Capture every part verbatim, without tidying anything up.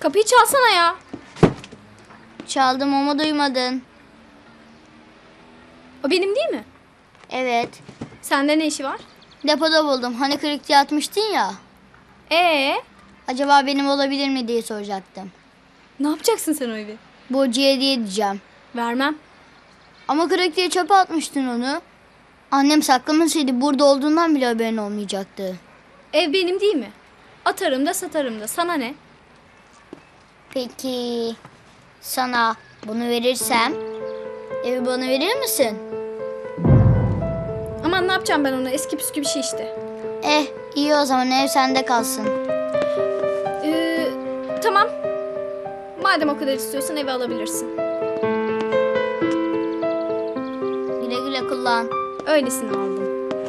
Kapıyı çalsana ya. Çaldım ama duymadın. O benim değil mi? Evet. Sende ne işi var? Depoda buldum. Hani kırık diye atmıştın ya. Ee, Acaba benim olabilir mi diye soracaktım. ne yapacaksın sen o evi? Burcu'ya hediye edeceğim. Vermem. Ama kırık diye çöpe atmıştın onu. Annem saklamasaydı burada olduğundan bile haberin olmayacaktı. Ev benim değil mi? Atarım da satarım da. Sana ne? Peki sana bunu verirsem evi bana verir misin? Aman ne yapacağım ben onu? Eski püskü bir şey işte. Eh iyi o zaman ev sende kalsın. Ee, tamam. Madem o kadar istiyorsan evi alabilirsin. Güle güle kullan. Öylesine aldım.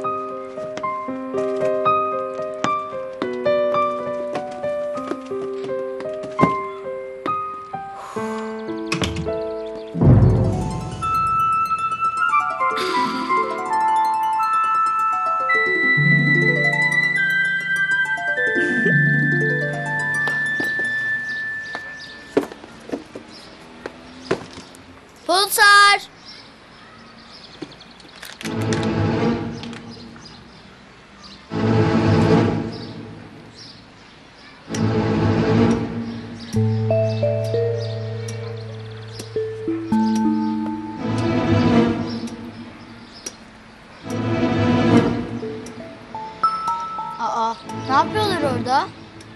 Pulsar! Aa, ne yapıyorlar orada?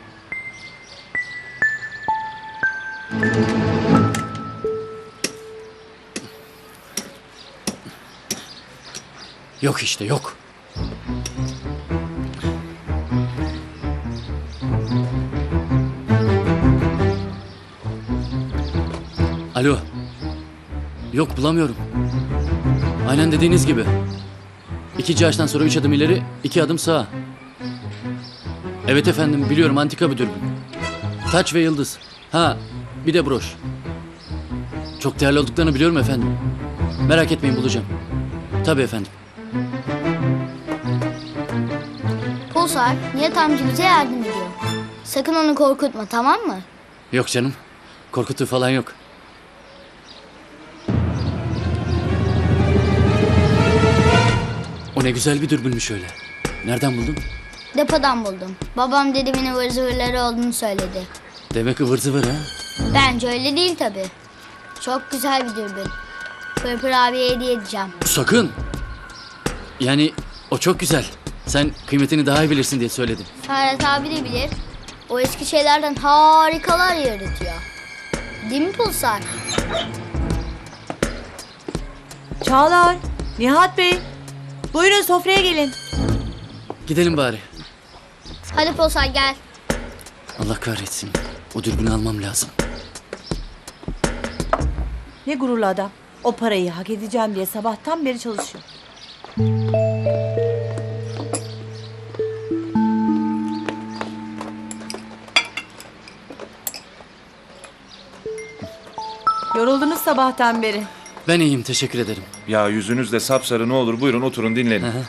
Yok işte yok. Alo. Yok bulamıyorum. Aynen dediğiniz gibi. İkinci ağaçtan sonra üç adım ileri, iki adım sağa. Evet efendim biliyorum antika bir dürbün. Taç ve yıldız. Ha bir de broş. Çok değerli olduklarını biliyorum efendim. Merak etmeyin bulacağım. Tabii efendim. Pulsar, Nihat amca bize yardım ediyor. Sakın onu korkutma, tamam mı? Yok canım. Korkutuğu falan yok. O ne güzel bir dürbünmüş öyle. Nereden buldun? Depodan buldum. Babam dedemin ıvır zıvırları olduğunu söyledi. Demek ıvır zıvır ha. Bence öyle değil tabii. Çok güzel bir dürbün. Pırpır abiye hediye edeceğim. Sakın. Yani o çok güzel. Sen kıymetini daha iyi bilirsin diye söyledim. Ferhat abi de bilir. O eski şeylerden harikalar yaratıyor. Değil mi Pulsar? Çağlar, Nihat Bey. Buyurun sofraya gelin. Gidelim bari. Hadi Pulsar gel. Allah kahretsin. O dürbünü almam lazım. Ne gururlu adam. O parayı hak edeceğim diye sabahtan beri çalışıyor. Yoruldunuz sabahtan beri. Ben iyiyim teşekkür ederim. Ya yüzünüz de sapsarı, ne olur buyurun oturun dinlenin. Hı hı.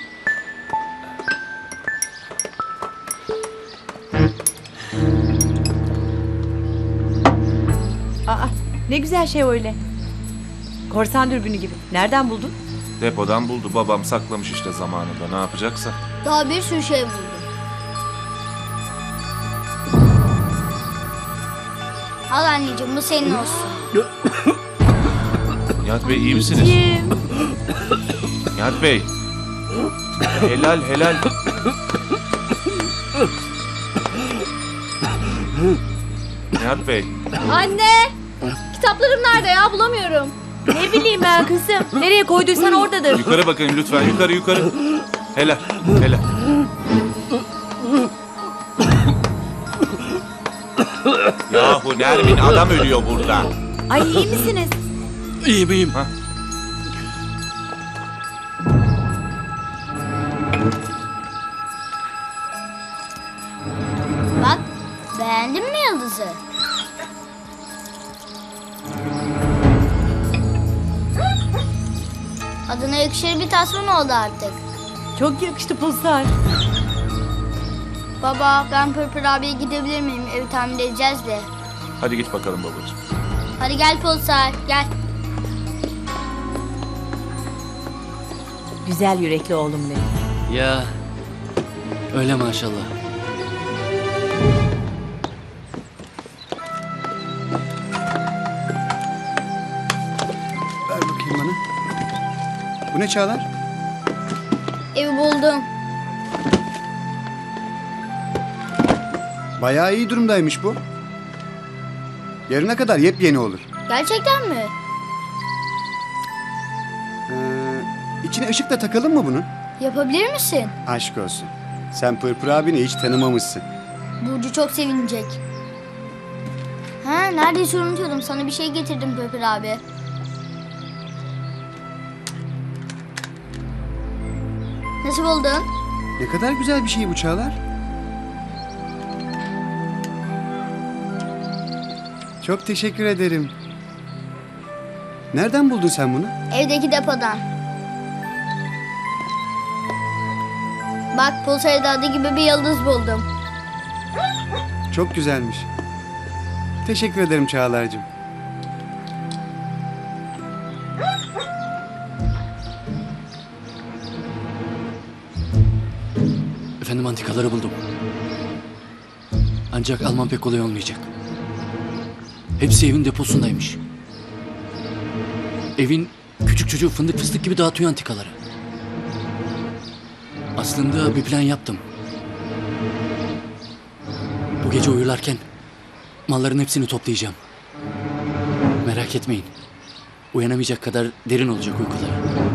Aa, ne güzel şey öyle. Korsan dürbünü gibi. Nereden buldun? Depodan buldu, babam saklamış işte zamanında, ne yapacaksa. Daha bir sürü şey buldum. Al anneciğim bu senin olsun. Nihat Bey iyi misiniz? Kim? Nihat Bey. Helal helal. Nihat Bey. Anne! Kitaplarım nerede ya? Bulamıyorum. Ne bileyim ben kızım. Nereye koyduysan oradadır. Yukarı bakın lütfen, yukarı yukarı. Helal helal. Yahu Nermin, adam ölüyor burada. Ay iyi misiniz? İyiyim iyiyim. Ha? Bak beğendin mi yıldızı? Adına yakışır bir tasman oldu artık. Çok yakıştı Pulsar. Baba ben Pırpır abiye gidebilir miyim? Evi tamir edeceğiz de. Hadi git bakalım babacığım. Hadi gel Pulsar gel. Güzel yürekli oğlum benim. Ya öyle maşallah. Ver bakayım bana. Bu ne Çağlar? Evi buldum. Bayağı iyi durumdaymış bu. Yarına kadar yepyeni olur. Gerçekten mi? Ee, içine ışık da takalım mı bunun? Yapabilir misin? Aşk olsun. Sen Pırpır abini hiç tanımamışsın. Burcu çok sevinecek. Ha, neredeyse unutuyordum. Sana bir şey getirdim Pırpır abi. Nasıl buldun? Ne kadar güzel bir şey bu Çağlar. Çok teşekkür ederim. Nereden buldun sen bunu? Evdeki depodan. Bak Pulsar'da adı gibi bir yıldız buldum. Çok güzelmiş. Teşekkür ederim Çağlar'cığım. Efendim antikaları buldum. Ancak alman pek kolay olmayacak. Hepsi evin deposundaymış. Evin küçük çocuğu fındık fıstık gibi dağıtıyor antikaları. Aslında bir plan yaptım. Bu gece uyurlarken malların hepsini toplayacağım. Merak etmeyin. Uyanamayacak kadar derin olacak uykuları.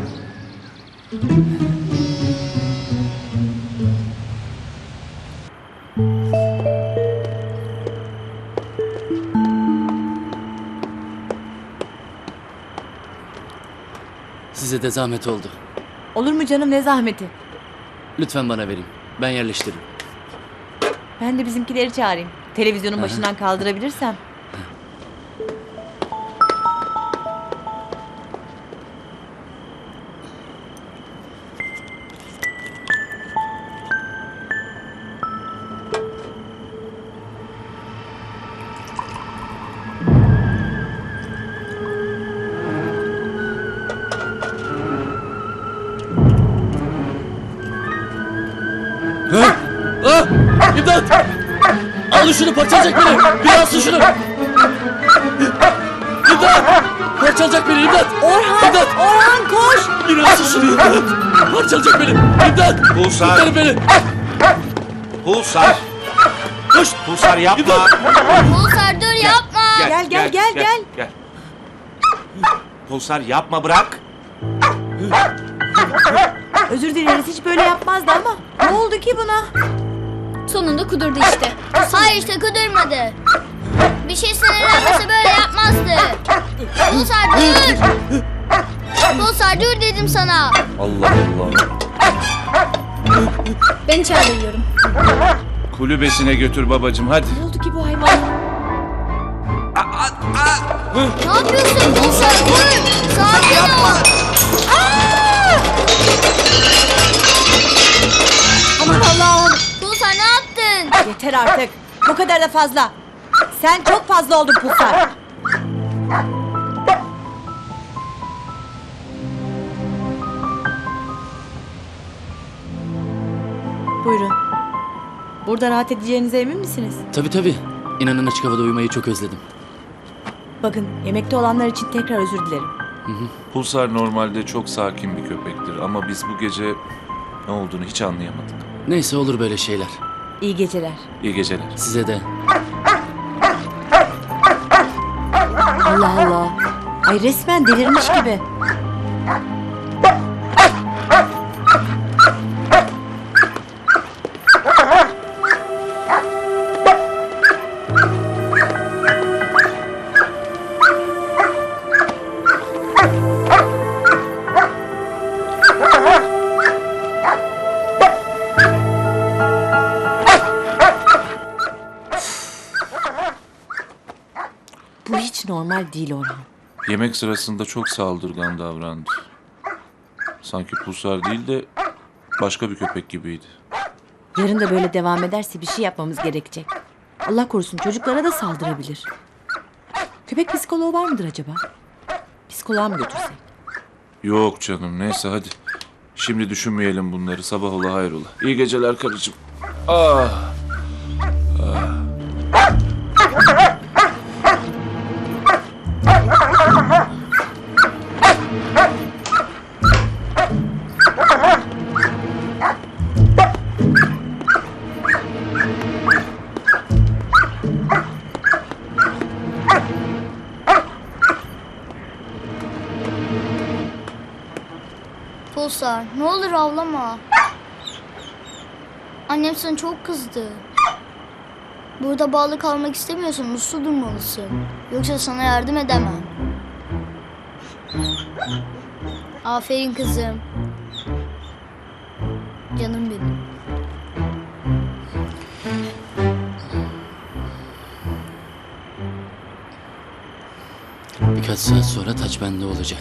Size de zahmet oldu. Olur mu canım, ne zahmeti? Lütfen bana verin. Ben yerleştiririm. Ben de bizimkileri çağırayım. Televizyonun başından kaldırabilirsem. Ha? Ah! İmdat! Alın şunu, parçalayacak beni! Bir alsın şunu! İmdat! Parçalayacak beni, imdat! Orhan! İmdat! Orhan koş! Bir alsın şunu, imdat! Parçalayacak beni! İmdat! Pulsar! Kurtarın beni! Pulsar! Koş! Pulsar yapma! Pulsar dur yapma. Gel, gel, gel, gel. gel. Pulsar yapma, bırak. Özür dileriz, hiç böyle yapmazdı ama. Ne oldu ki buna? Sonunda kudurdu işte. Hayır işte kudurmadı. Bir şey sinirlenmese böyle yapmazdı. Pulsar dur. Pulsar dur dedim sana. Allah Allah. Ben içeride uyuyorum. Kulübesine götür babacığım, hadi. Ne oldu ki bu hayvan? Ne yapıyorsun Pulsar dur. Sakin ol. Aman Allah'ım! Pulsar ne yaptın? Yeter artık. Bu kadar da fazla. Sen çok fazla oldun Pulsar. Buyurun. Burada rahat edeceğinize emin misiniz? Tabii tabii. İnanın açık havada uyumayı çok özledim. Bakın, yemekte olanlar için tekrar özür dilerim. Pulsar normalde çok sakin bir köpektir ama biz bu gece ne olduğunu hiç anlayamadık. Neyse, olur böyle şeyler. İyi geceler. İyi geceler. Size de. Allah Allah. Ay resmen delirmiş gibi. Bu hiç normal değil Orhan. Yemek sırasında çok saldırgan davrandı. Sanki Pulsar değil de başka bir köpek gibiydi. Yarın da böyle devam ederse bir şey yapmamız gerekecek. Allah korusun, çocuklara da saldırabilir. Köpek psikoloğu var mıdır acaba? Psikoloğa mı götürsek? Yok canım neyse hadi. Şimdi düşünmeyelim bunları. Sabah ola hayrola. İyi geceler karıcığım. Ah. Pulsar, ne olur ağlama. Annem sana çok kızdı. Burada bağlı kalmak istemiyorsan uslu durmalısın. Yoksa sana yardım edemem. Aferin kızım. Canım benim. Birkaç saat sonra taç bende olacak.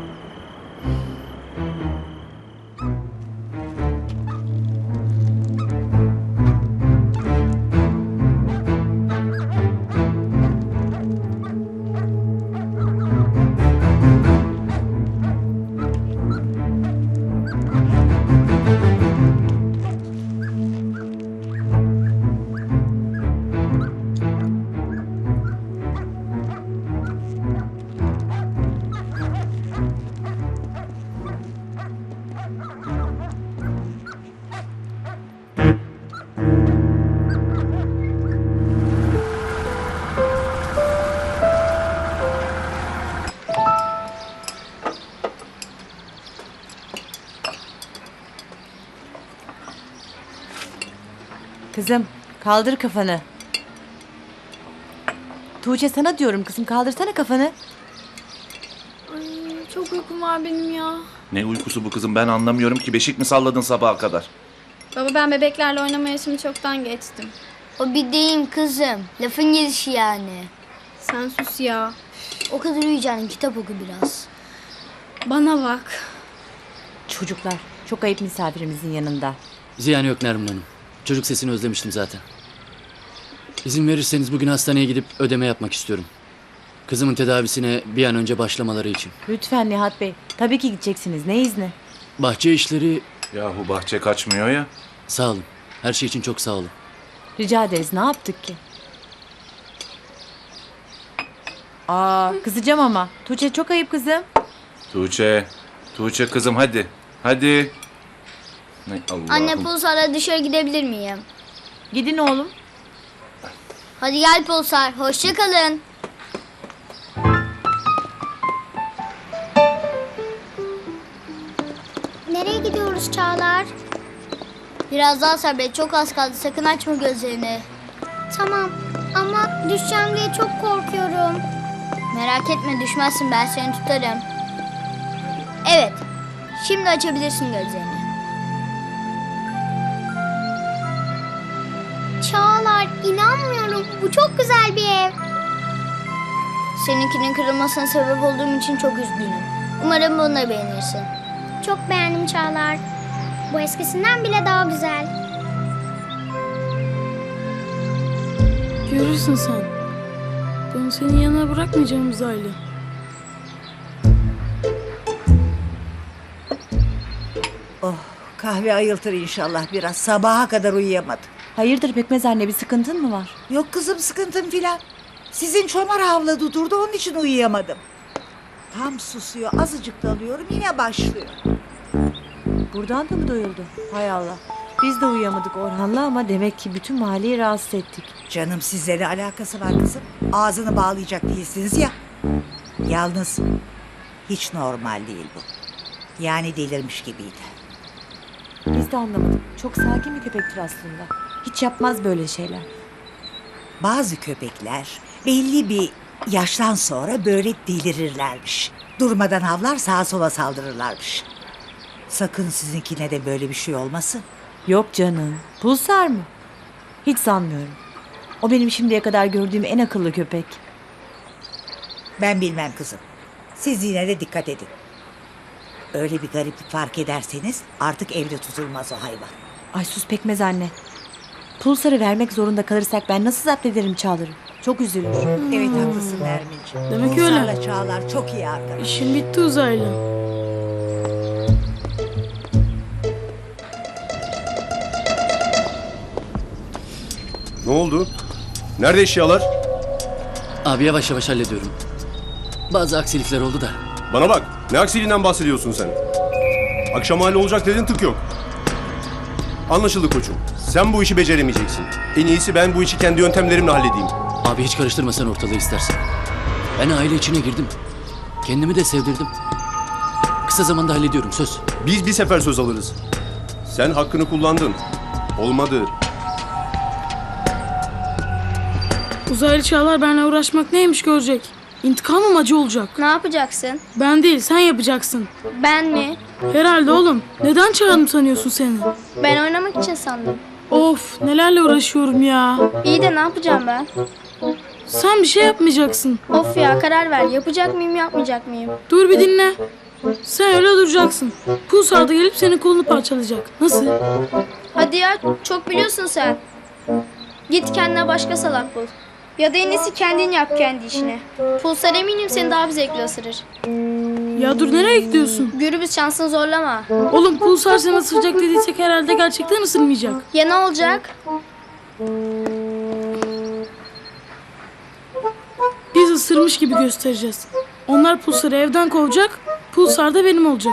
Kızım kaldır kafanı. Tuğçe sana diyorum kızım, kaldırsana kafanı. Ay, çok uykum var benim ya. Ne uykusu bu kızım, ben anlamıyorum ki. Beşik mi salladın sabaha kadar? Baba ben bebeklerle oynama yaşımı çoktan geçtim. O bir deyim kızım. Lafın gelişi yani. Sen sus ya. O kadar uyuyacaksın, kitap oku biraz. Bana bak. Çocuklar çok ayıp misafirimizin yanında. Ziyan yok Nermin Hanım. Çocuk sesini özlemiştim zaten. İzin verirseniz bugün hastaneye gidip ödeme yapmak istiyorum. Kızımın tedavisine bir an önce başlamaları için. Lütfen Nihat Bey. Tabii ki gideceksiniz. Ne izni? Bahçe işleri... Yahu bahçe kaçmıyor ya. Sağ olun. Her şey için çok sağ olun. Rica ederiz. Ne yaptık ki? Aa, kızacağım ama. Tuğçe çok ayıp kızım. Tuğçe, Tuğçe kızım hadi. Hadi. Ne Allah'ım. Anne Pulsar'la dışarı gidebilir miyim? Gidin oğlum. Hadi gel Pulsar, hoşça kalın. Nereye gidiyoruz Çağlar? Biraz daha sabret, çok az kaldı. Sakın açma gözlerini. Tamam ama düşeceğim diye çok korkuyorum. Merak etme, düşmezsin, ben seni tutarım. Evet, şimdi açabilirsin gözlerini. Çağlar, inanmıyorum. Bu çok güzel bir ev. Seninkinin kırılmasına sebep olduğum için çok üzgünüm. Umarım bunu da beğenirsin. Çok beğendim Çağlar. Bu eskisinden bile daha güzel. Görürsün sen. Ben senin yanına bırakmayacağım uzaylı. Oh, kahve ayıltır inşallah biraz. Sabaha kadar uyuyamadım. Hayırdır Pekmez anne, bir sıkıntın mı var? Yok kızım, sıkıntım filan. Sizin çomar havladı durdu, onun için uyuyamadım. Tam susuyor, azıcık dalıyorum, yine başlıyor. Buradan da mı doyuldu? Hay Allah. Biz de uyuyamadık Orhan'la ama demek ki bütün mahalleyi rahatsız ettik. Canım, sizle ne alakası var kızım? Ağzını bağlayacak değilsiniz ya. Yalnız hiç normal değil bu. Yani delirmiş gibiydi. Biz de anlamadık. Çok sakin bir köpektir aslında. Hiç yapmaz böyle şeyler. Bazı köpekler belli bir yaştan sonra böyle delirirlermiş. Durmadan havlar, sağa sola saldırırlarmış. Sakın sizinkine de böyle bir şey olmasın. Yok canım. Pulsar mı? Hiç sanmıyorum. O benim şimdiye kadar gördüğüm en akıllı köpek. Ben bilmem kızım. Siz yine de dikkat edin. Öyle bir gariplik fark ederseniz artık evde tutulmaz o hayvan. Ay sus Pekmez anne. Pulsar'ı vermek zorunda kalırsak ben nasıl zapt ederim Çağlar'ı? Çok üzülür. Evet haklısın Nermin'ciğim. Demek öyle. Pulsar'la Çağlar çok iyi arkadaş. İşin bitti uzaylı. Ne oldu? Nerede eşyalar? Abi yavaş yavaş hallediyorum. Bazı aksilikler oldu da. Bana bak. Ne aksiliğinden bahsediyorsun sen? Akşam hali olacak dedin, tık yok. Anlaşıldı koçum. Sen bu işi beceremeyeceksin. En iyisi ben bu işi kendi yöntemlerimle halledeyim. Abi hiç karıştırma sen ortalığı istersen. Ben aile içine girdim. Kendimi de sevdirdim. Kısa zamanda hallediyorum söz. Biz bir sefer söz alırız. Sen hakkını kullandın. Olmadı. Uzaylı Çağlar benimle uğraşmak neymiş görecek. İntikamım acı olacak. Ne yapacaksın? Ben değil sen yapacaksın. Ben mi? Herhalde oğlum. Neden çağırdım sanıyorsun seni? Ben oynamak için sandım. Of nelerle uğraşıyorum ya. İyi de ne yapacağım ben? Sen bir şey yapmayacaksın. Of ya, karar ver. Yapacak mıyım, yapmayacak mıyım? Dur bir dinle. Sen öyle duracaksın. Pulsar da gelip senin kolunu parçalayacak. Nasıl? Hadi ya, çok biliyorsun sen. Git kendine başka salak bul. Ya da en iyisi kendin yap kendi işini. Pulsar eminim seni daha bir zevkle ısırır. Ya dur nereye gidiyorsun? Gürbüz, şansını zorlama. Oğlum Pulsar seni ısıracak dediysek herhalde gerçekten ısırmayacak. Ya ne olacak? Biz ısırmış gibi göstereceğiz. Onlar Pulsar'ı evden kovacak. Pulsar da benim olacak.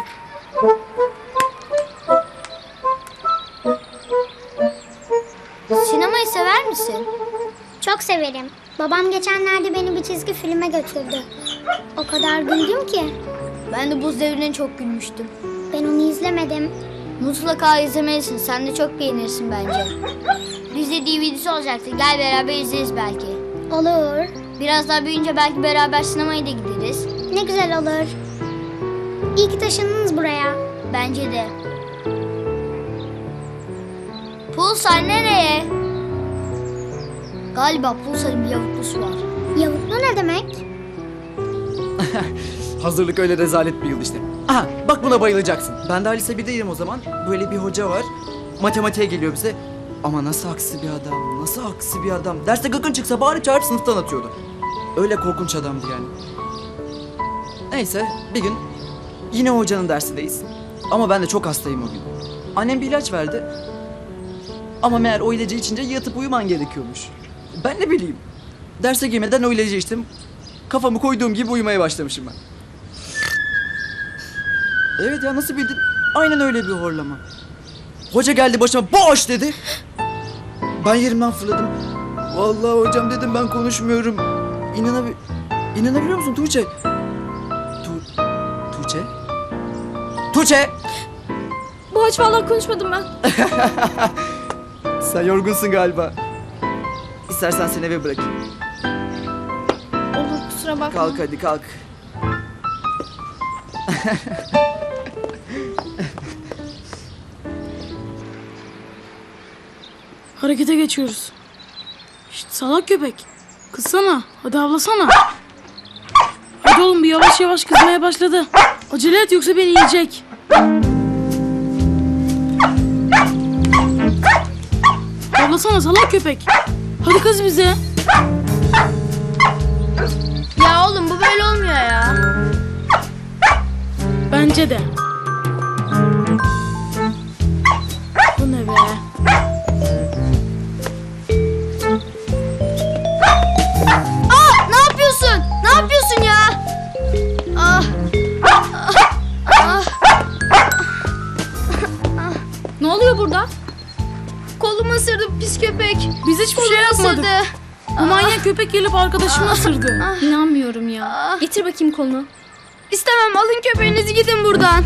Sinemayı sever misin? Çok severim. Babam geçenlerde beni bir çizgi filme götürdü. O kadar güldüm ki. Ben de Buz Devri'ne çok gülmüştüm. Ben onu izlemedim. Mutlaka izlemelisin. Sen de çok beğenirsin bence. Bizde D V D'si olacaktı. Gel beraber izleriz belki. Olur. Biraz daha büyüyünce belki beraber sinemaya da gideriz. Ne güzel olur. İyi ki taşındınız buraya. Bence de. Pulsar nereye? Galiba Pulsar'ın bir yavuklusu var. Yavuklu ne demek? Hazırlık öyle rezalet bir yıl işte. Aha bak buna bayılacaksın. Ben daha lise birdeydim o zaman. Böyle bir hoca var. Matematiğe geliyor bize. Ama nasıl aksi bir adam, nasıl aksi bir adam. Derste gıkın çıksa bari çağırıp sınıftan atıyordu. Öyle korkunç adamdı yani. Neyse bir gün yine hocanın dersindeyiz. Ama ben de çok hastayım o gün. Annem bir ilaç verdi. Ama meğer o ilacı içince yatıp uyuman gerekiyormuş. Ben ne bileyim. Derse girmeden o ilacı içtim. Kafamı koyduğum gibi uyumaya başlamışım ben. Evet ya nasıl bildin? Aynen öyle bir horlama. Hoca geldi başıma boş dedi. Ben yerimden fırladım. Vallahi hocam dedim ben konuşmuyorum. İnanabi İnanabiliyor musun Tuğçe? Tu Tuğçe? Tuğçe! Bu aç vallahi konuşmadım ben. Sen yorgunsun galiba. İstersen seni eve bırakayım. Olur, kusura bakma. Kalk hadi kalk. Harekete geçiyoruz. Şşt salak köpek. Kızsana. Hadi avlasana. Hadi oğlum bir yavaş yavaş kızmaya başladı. Acele et yoksa beni yiyecek. Avlasana salak köpek. Hadi kız bize. Ya oğlum, bu böyle olmuyor ya. Bence de. Bu ne be? Aa, ne yapıyorsun? Ne yapıyorsun ya? Ah. Ne oluyor burada? Kolumu ısırdı pis köpek. Biz hiçbir şey Kolumu yapmadık. ısırdı. Bu manyak köpek gelip arkadaşımı ısırdı. İnanmıyorum ya. Getir bakayım kolunu. İstemem, alın köpeğinizi, gidin buradan.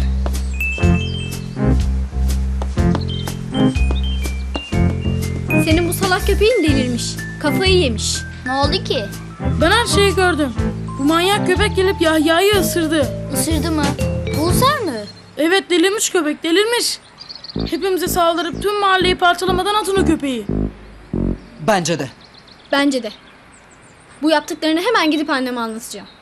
Senin bu salak köpeğin delirmiş. Kafayı yemiş. Ne oldu ki? Ben her şeyi gördüm. Bu manyak köpek gelip Yahya'yı ısırdı. Isırdı mı? Pulsar mı? Evet delirmiş köpek delirmiş. Hepimize saldırıp tüm mahalleyi parçalamadan atın o köpeği. Bence de. Bence de. Bu yaptıklarını hemen gidip anneme anlatacağım.